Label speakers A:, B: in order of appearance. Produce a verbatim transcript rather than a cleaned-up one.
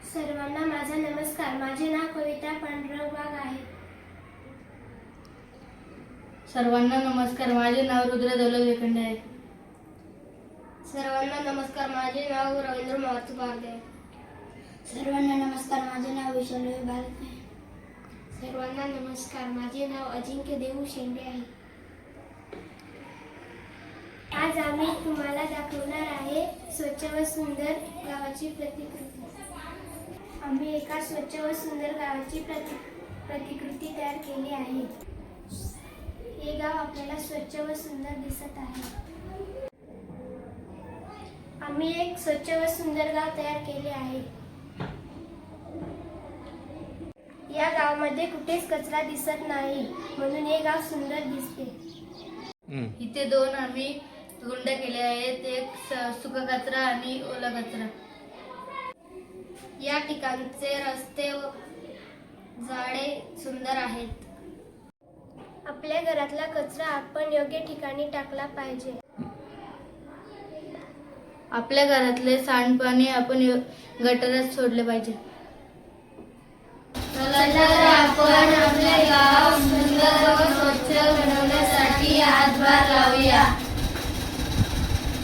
A: सर्वांना माझा नमस्कार. माझे नाव कविता पांडुरंग वाघ आहे.
B: सर्वांना नमस्कार. माझे नाव रुद्र दौलत वेखंडे आहे.
A: सर्वांना नमस्कार. माझे नाव रवींद्र मारुती बागदे आहे.
C: सर्वांना नमस्कार. माझे नाव विशाल भारत आहे.
A: सर्वांना नमस्कार. माझे नाव अजिंक्य देऊ शेंडे आहे. आज आम्ही तुम्हाला दाखवणार आहे स्वच्छ व सुंदर गावाची प्रतिकृती. आम्ही एका स्वच्छ व सुंदर गावाची प्रति प्रतिकृती तयार केली आहे. हे गाव आपल्याला स्वच्छ व सुंदर दिसत आहे. आम्ही एक स्वच्छ व सुंदर गाव तयार केले आहे. या गावामध्ये कुठेच कचरा दिसत नाही, म्हणून हे गाव सुंदर दिसते.
B: इथे दोन आम्ही गुंड केले आहेत, एक सुका कचरा आणि ओला कचरा.
A: या ठिकाणचे रस्ते व झाडे सुंदर आहेत. आपल्या घरातला कचरा आपण योग्य ठिकाणी टाकला पाहिजे.
B: आपल्या घरातले सांडपाणी आपण गटारात सोडले पाहिजे.
A: चला तर आपण